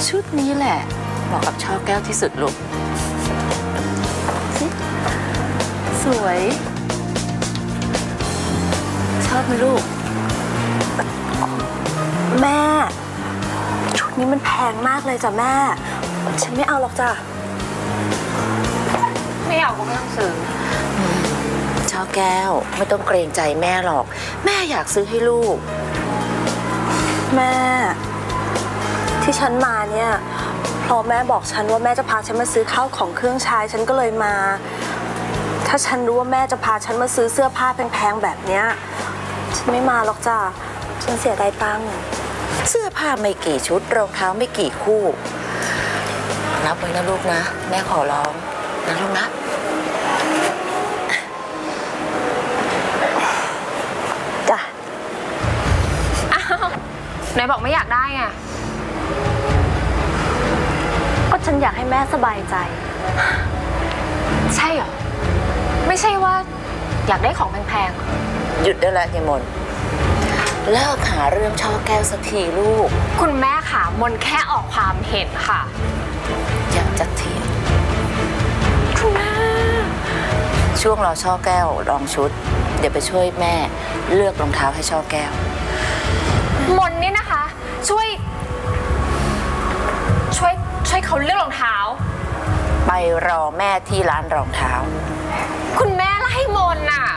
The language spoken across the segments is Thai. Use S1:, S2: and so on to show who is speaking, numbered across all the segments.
S1: ชุดนี้แหละเหมาะกับช่อแก้วที่สุดลูกสวยชอบไหมลูก
S2: แม่ชุดนี้มันแพงมากเลยจ้ะแม่ฉันไม่เอาหรอกจ้ะ
S3: ไม่เอาก็ไม่ต้องซื้อ
S1: ช่อแก้วไม่ต้องเกรงใจแม่หรอกแม่อยากซื้อให้ลูก
S2: แม่ที่ฉันมาเนี่ยเพราะแม่บอกฉันว่าแม่จะพาฉันมาซื้อข้าวของเครื่องใช้ฉันก็เลยมาถ้าฉันรู้ว่าแม่จะพาฉันมาซื้อเสื้อผ้าแพงๆแบบเนี้ยฉันไม่มาหรอกจ้ะฉันเสียดายตังค์
S1: เสื้อผ้าไม่กี่ชุดรองเท้าไม่กี่คู่รับไว้นะลูกนะแม่ขอร้องนะลูกนะ
S2: จ้ะ
S3: อ้าวไหนบอกไม่อยากได้ไง
S2: ก็ฉันอยากให้แม่สบายใจ
S3: ใช่เหรอไม่ใช่ว่าอยากได้ของแพง
S1: ๆหยุดได้แล้วยายมนเลิกหาเรื่องช่อแก้วสักทีลูก
S3: คุณแม่ค่ะมนแค่ออกความเห็นค่ะ
S1: อยากจะเถียง
S3: คุณแม่
S1: ช่วงรอช่อแก้วลองชุดเดี๋ยวไปช่วยแม่เลือกรองเท้าให้ช่อแก้ว
S3: มนนี่นะคะช่วยเขาเลือกรองเท้า
S1: ไปรอแม่ที่ร้านรองเท้า
S3: คุณแม่ไล่มนน่ะ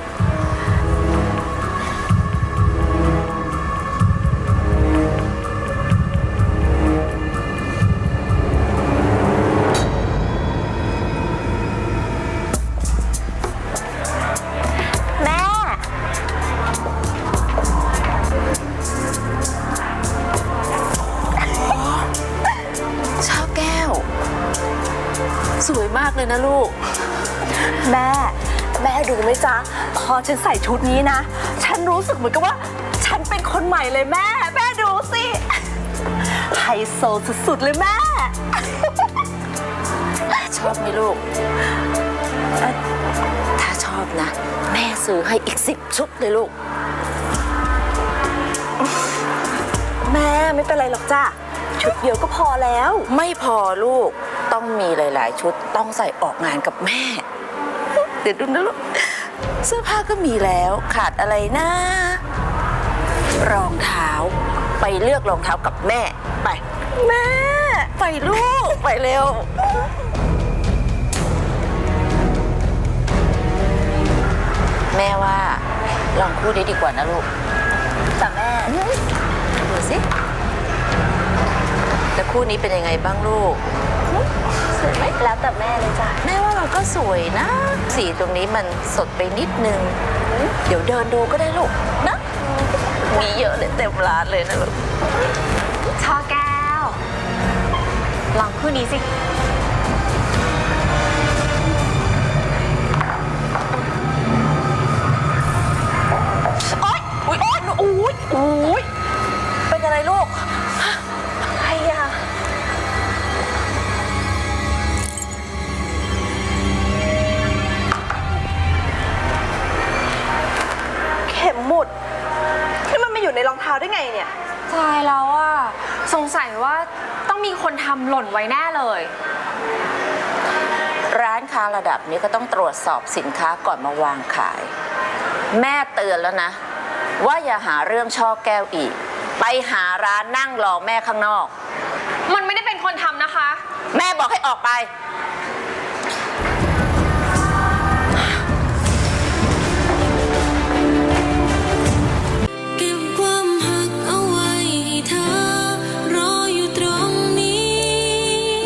S2: แม่
S1: ช่อแก้วสวยมากเลยนะลูก
S2: แม่ดูไหมจ๊ะพอฉันใส่ชุดนี้นะฉันรู้สึกเหมือนกับว่าฉันเป็นคนใหม่เลยแม่ดูสิไฮโซสุดๆเลยแม่
S1: ชอบไหมลูกถ้าชอบนะแม่ซื้อให้อีก10 ชุดเลยลูก
S2: แม่ไม่เป็นไรหรอกจ้ะชุดเดียวก็พอแล้ว
S1: ไม่พอลูกต้องมีหลายๆชุดต้องใส่ออกงานกับแม่เดี๋ยวดูนะลูกเสื้อผ้าก็มีแล้วขาดอะไรนะรองเท้าไปเลือกรองเท้ากับแม่ไป
S2: แม่
S1: ไปลูกไปเร็วแม่ว่าลองคู่นี้ดีกว่านะลูก
S2: แต่แม่
S1: ดูสิแล้วคู่นี้เป็นยังไงบ้างลูก
S2: สวยไหมแล้วแต่แม่เลยจ้ะ
S1: แม่ว่ามันก็สวยนะสีตรงนี้มันสดไปนิดนึงเดี๋ยวเดินดูก็ได้ลูกนะมีเยอะเลยเต็มร้านเลยนะลูก
S3: ช่อแก้วลองคู่นี้สิ
S2: โอ๊ยเป็นอะไรลูกอะไรอะเข็มหมุดที่มันมาอยู่ในรองเท้าได้ไงเนี่ย
S3: ตายแล้วอ่ะสงสัยว่าต้องมีคนทำหล่นไว้แน่เลย
S1: ร้านค้าระดับนี้ก็ต้องตรวจสอบสินค้าก่อนมาวางขายแม่เตือนแล้วนะว่าอย่าหาเรื่องช่อแก้วอีกไปหาร้านนั่งรอแม่ข้างนอก
S3: มันไม่ได้เป็นคนทำนะคะ
S1: แม่บอกให้ออกไป